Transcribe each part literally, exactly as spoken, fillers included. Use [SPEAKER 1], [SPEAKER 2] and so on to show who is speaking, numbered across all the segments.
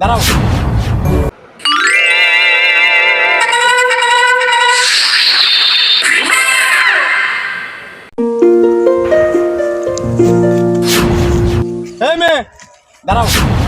[SPEAKER 1] দাঁড়াও। এই মেয়ে দাঁড়াও।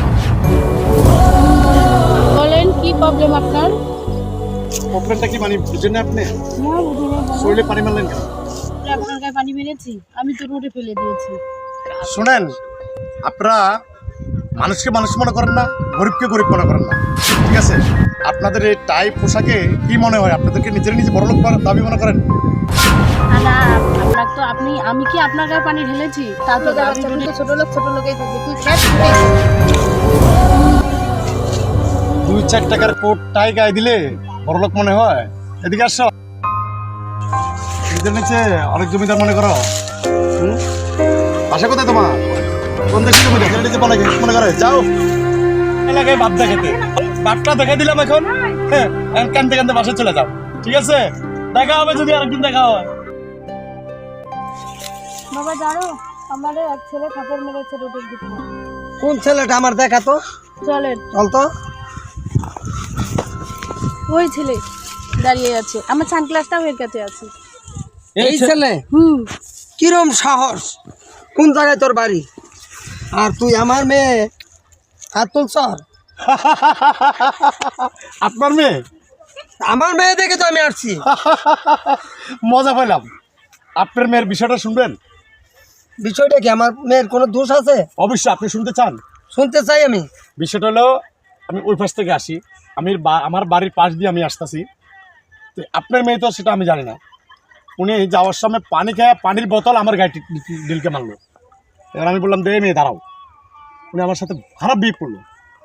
[SPEAKER 2] বলেন কি প্রবলেম আপনার?
[SPEAKER 1] প্রবলেমটা কি মানে বুঝেন না আপনি?
[SPEAKER 2] না বুঝুন
[SPEAKER 1] শরীরে পানি মারলেন কেন?
[SPEAKER 2] আপনার গায়ে পানি মেরেছি, আমি তো রোডে ফেলে দিয়েছি।
[SPEAKER 1] শোনেন, আপনারা মানুষকে মানুষ মনে করেন না, গরিবকে গরিব মনে করেন না, ঠিক আছে? আপনাদের এই টাই পোশাকে কি মনে হয়? আপনাদেরকে নিজের নিজে বড় লোক দাবি মনে করেন?
[SPEAKER 2] না না, আপনার তো আপনি আমি কি আপনার গায়ে পানি ঢেলেছি? তা তো আমি তো ছোট লোক ছোট লোকেই থাকবে, তুই খেত
[SPEAKER 1] দুই চার টাকার কোট টাই গায়ে দিলে বড় লোক মনে হয়? এদিকে আসো। নিজের নিচে অনেক জমিদার মনে করো। হুম? বাসা কোথায় তোমার? কোন দেশের জমিদার? নিজের নিচে মনে মনে করে যাও এলাকায় বাপ দেখাতে। বাপটা দেখে দিলাম এখন, হ্যাঁ কানতে কানতে বাসায় চলে যাও, ঠিক আছে? দেখা হবে যদি আরেকদিন দেখা হয়।
[SPEAKER 2] বাবা জানো, আমার এক ছেলে কাপড় মেরেছে রোডের দিকে।
[SPEAKER 3] কোন ছেলেটা আমার দেখা তো?
[SPEAKER 2] চলেন।
[SPEAKER 3] চল তো।
[SPEAKER 2] ওই ছেলে দাঁড়িয়ে আছে, আমার সানগ্লাসটাও এর কাছে আছে।
[SPEAKER 3] এই ছেলে?
[SPEAKER 2] হুম।
[SPEAKER 3] কিরম সাহস? কোন জায়গায় তোর বাড়ি? আর তুই আমার মেয়ে হাত তুলছ?
[SPEAKER 1] আপনার মেয়ে?
[SPEAKER 3] আমার মেয়ে দেখে তো আমি আসছি।
[SPEAKER 1] মজা পাইলাম। আপনার মেয়ের বিষয়টা শুনবেন?
[SPEAKER 3] বিষয়টা কি? আমার মেয়ের কোনো দোষ আছে?
[SPEAKER 1] অবশ্যই আপনি শুনতে চান?
[SPEAKER 3] শুনতে চাই আমি।
[SPEAKER 1] বিষয়টা হলো, আমি ওই পাশ থেকে আসি, আমি বা- আমার বাড়ির পাশ দিয়ে আমি আসতেছি। তো আপনার মেয়ে তো সেটা আমি জানি না। উনি যাওয়ার সময় পানি খেয়ে পানির বোতল আমার গায়ে টি- টি- ডিলকে মারলো। এবার আমি বললাম দে মেয়ে দাঁড়াও। উনি আমার সাথে খারাপ বিয়ে করলো।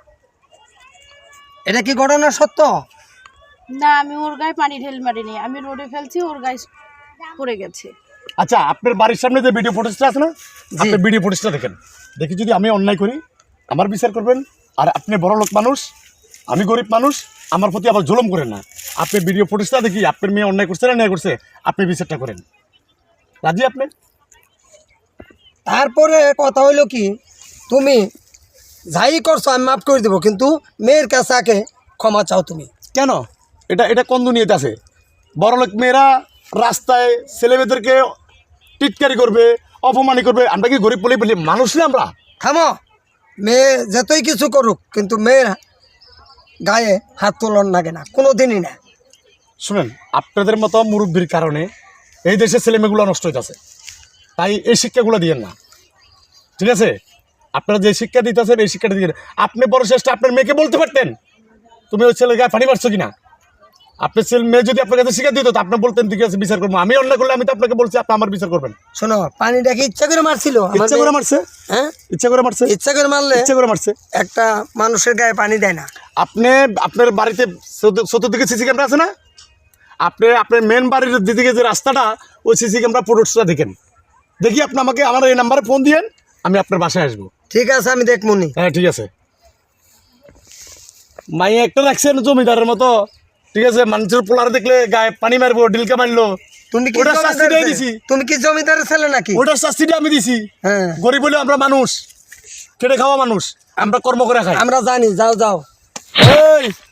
[SPEAKER 3] এটা কি ঘটনা সত্য?
[SPEAKER 2] না, আমি ওর গায়ে পানি ঢেল মারিনি, আমি রোডে ফেলছি, ওর গায়ে পড়ে গেছে।
[SPEAKER 1] আচ্ছা, আপনার বাড়ির সামনে যে ভিডিও ফুটেজটা আছে না, আপনি ভিডিও ফুটেজটা দেখেন। দেখি যদি আমি অন্যায় করি আমার বিচার করবেন। আর আপনি বড় লোক মানুষ, আমি গরিব মানুষ, আমার প্রতি আবার জুলুম করেন না। আপনি ভিডিও ফুটেজটা দেখি আপনার মেয়ে অন্যায় করছে না অন্যায় করছে, আপনি বিচারটা করেন। রাজি আপনি?
[SPEAKER 3] তারপরে কথা হইলো কি, তুমি যাই করছো আমি মাফ করে দেবো, কিন্তু মেয়ের কাছে আগে ক্ষমা চাও তুমি।
[SPEAKER 1] কেন? এটা এটা কোন দুনিয়াতে আছে? বড়লোক মেয়েরা রাস্তায় ছেলেমেয়েদেরকে টিটকারি করবে, অপমানি করবে, আমরা কি গরিব বলে বলি মানুষ না আমরা?
[SPEAKER 3] থামো। মেয়ে যতই কিছু করুক, কিন্তু মেয়ের গায়ে হাত তোলন লাগে না, কোনো দিনই না।
[SPEAKER 1] শুনেন, আপনাদের মতো মুরব্বীর কারণে এই দেশের ছেলেমেয়েগুলো নষ্ট হইতেছে। তাই এই শিক্ষাগুলো দিয়েন না, ঠিক আছে? আপনারা যে শিক্ষা দিতেছেন এই শিক্ষাটা দিয়ে আপনি বড় চেষ্টা আপনার মেয়েকে বলতে পারতেন তুমি ওই ছেলের গায়ে পানি মারছো কিনা। আপনার ছেলে মেয়ে যদি আপনার কাছে শিক্ষা দিত তো আপনি বলতেন ঠিক আছে বিচার করবো। আমি অন্যায় করলে আমি তো আপনাকে বলছি আপনি আমার বিচার করবেন।
[SPEAKER 3] শোনো, পানিটা কি ইচ্ছা করে মারছিল? আমার
[SPEAKER 1] ইচ্ছা করে
[SPEAKER 3] মেয়ে-
[SPEAKER 1] মারছে?
[SPEAKER 3] হ্যাঁ,
[SPEAKER 1] ইচ্ছা করে মারছে?
[SPEAKER 3] ইচ্ছা করে মারলে
[SPEAKER 1] ইচ্ছা করে মারছে।
[SPEAKER 3] একটা মানুষের গায়ে পানি দেয় না।
[SPEAKER 1] আপনি আপনার বাড়িতে চতুর- চতুর্দিকে সিসি ক্যামেরা আছে না? আপনি আপনার মেন বাড়ির দিদিকে যে রাস্তাটা, ওই সিসি ক্যামেরা ফুটেজটা দেখেন। দেখি আপনি আমাকে আমার এই নাম্বারে ফোন দিয়েন, আমি আপনার বাসায় আসবো।
[SPEAKER 3] ঠিক আছে, আমি দেখমুনি।
[SPEAKER 1] হ্যাঁ ঠিক আছে। মাই একটা রাখছেন জমিদারের মতো, ঠিক আছে? মানুষের পোলার দেখলে গায়ে পানি মারবো, ডিলকা মারলো,
[SPEAKER 3] তুমি কি
[SPEAKER 1] ওটার শাস্তিটাই
[SPEAKER 3] জমিদারের
[SPEAKER 1] দিছি।
[SPEAKER 3] ছেলে? তুমি কি জমিদারের ছেলে নাকি?
[SPEAKER 1] ওটার শাস্তিটা আমি দিছি।
[SPEAKER 3] হ্যাঁ,
[SPEAKER 1] গরিব বলে আমরা মানুষ, খেটে খাওয়া মানুষ, আমরা কর্ম করে খাই।
[SPEAKER 3] আমরা জানি। যাও যাও।
[SPEAKER 1] এই